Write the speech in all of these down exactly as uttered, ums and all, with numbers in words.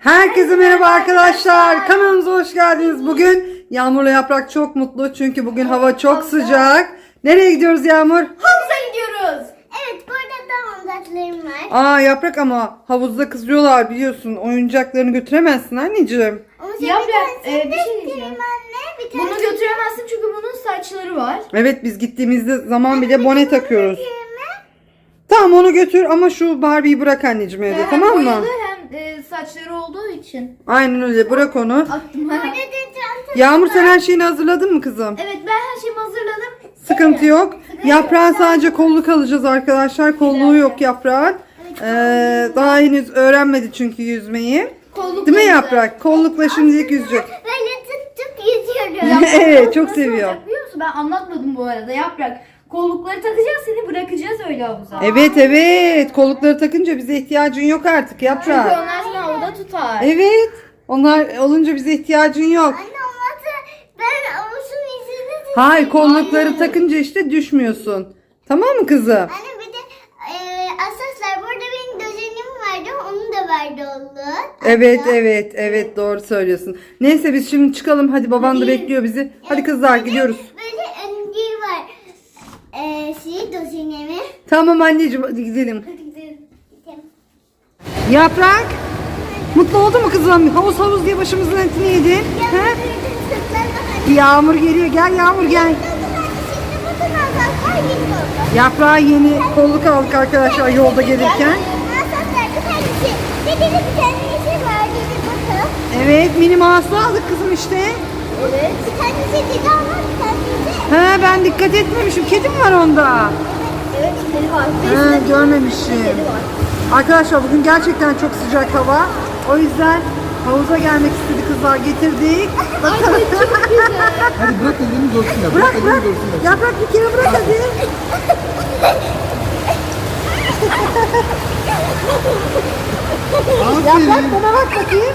Herkese merhaba arkadaşlar. Kanalımıza hoş geldiniz. Bugün Yağmur'la Yaprak çok mutlu. Çünkü bugün hava çok sıcak. Nereye gidiyoruz Yağmur? Havuza gidiyoruz. Evet, burada da oyuncaklarım var. Aa Yaprak, ama havuzda kızıyorlar biliyorsun. Oyuncaklarını götüremezsin anneciğim. Ama sen Yaprak, bir tanesini e, bir şey göstereyim diyeceğim. anne. Bir Bunu tanesini götüremezsin çünkü bunun saçları var. Evet, biz gittiğimizde zaman bile bone takıyoruz. götüreyim mi? Tamam, onu götür ama şu Barbie'yi bırak anneciğim evde, Hem tamam mı? boyalı hem e, saçları olduğu için. Aynen öyle, bırak onu. Aklıma. Burada da çanta. Yağmur, sen her şeyini hazırladın mı kızım? Evet, ben her şeyimi hazırladım. Sıkıntı yok. Yaprağın sadece kolluk alacağız arkadaşlar. Kolluğu yok Yaprağın. Ee, daha henüz öğrenmedi çünkü yüzmeyi. Kollukla Değil mi güzel. Yaprak? Kollukla şimdilik yüzecek. Böyle tık tık yüzüyorum. Yaprak, Evet, kolluk çok nasıl seviyor. olacak biliyor musun? Ben anlatmadım bu arada. Yaprak, kollukları takacağız, seni bırakacağız öyle havuza. Evet evet. Kollukları takınca bize ihtiyacın yok artık Çünkü Yaprak. onlar seni havada tutar. Evet. Onlar olunca bize ihtiyacın yok. Anne olmazsa ben avuzun izini tutayım. Hayır, kollukları takınca işte düşmüyorsun. Tamam mı kızım? Anne bir de e, asaslar burada benim dözenim vardı. Onu da verdi oldu. Evet evet evet, doğru söylüyorsun. Neyse biz şimdi çıkalım. Hadi, baban da bekliyor bizi. Hadi kızlar, gidiyoruz. Böyle öncü var. E, şey dözenimi. Tamam anneciğim, hadi gidelim. Hadi gidelim. Yaprak, mutlu oldu mu kızım? Havuz havuz diye başımızın etini yedin. He? Yağmur geliyor. Gel Yağmur, gel. Şimdi bütün asaslar gidiyordu. Yaprağa yeni kolluk aldık arkadaşlar yolda gelirken. Asaslar bir tanesi. Bir de bir tanesi vardı bir bakın. Evet, mini mouse'u aldık kızım işte. Evet. Bir tanesi dedi ama bir tanesi. He, ben dikkat etmemişim. Kedi mi var onda? Evet, kedi var. He, görmemişim. Arkadaşlar bugün gerçekten çok sıcak hava. O yüzden havuza gelmek istedi kızlar, getirdik. Bakalım. Hadi bırak elini görsün ya. Bırak elini bırak. görsün ya. Yaprak, bir kere bırak hadi. Aferin. Yaprak, bana bak bakayım.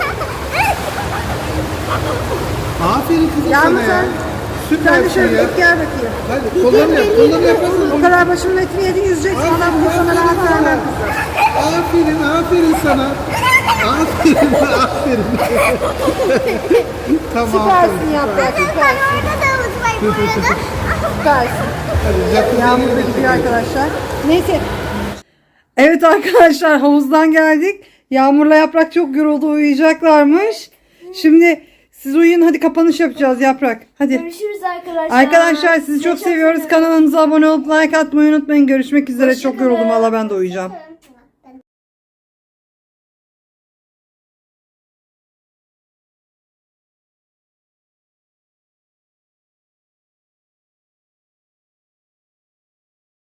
Aferin kızım Yağmur, sana ya. sen, Süper sen de bir şey şöyle ya. git gel bakayım. Hadi kollarını yap. Kollarını yaparsın. O kadar başımın etini yedin, yüzeceksin. Adam bugün sana rahat vermem kızım. Aferin. Aferin sana. Aferin. Aferin. tamam. Süpersin Yaprak, Ben süpersin. orada da havuz var bu arada. Süpersin. Hadi jacuzziye Yağmur da gidelim. gidiyor arkadaşlar. Neyse. Evet arkadaşlar, havuzdan geldik. Yağmur'la Yaprak çok yoruldu, uyuyacaklarmış. Şimdi siz uyuyun, hadi kapanış yapacağız Yaprak. Hadi. Görüşürüz arkadaşlar. Arkadaşlar sizi çok seviyoruz. seviyorum. Kanalımıza abone olup like atmayı unutmayın. Görüşmek üzere. Çok yoruldum valla, ben de uyuyacağım.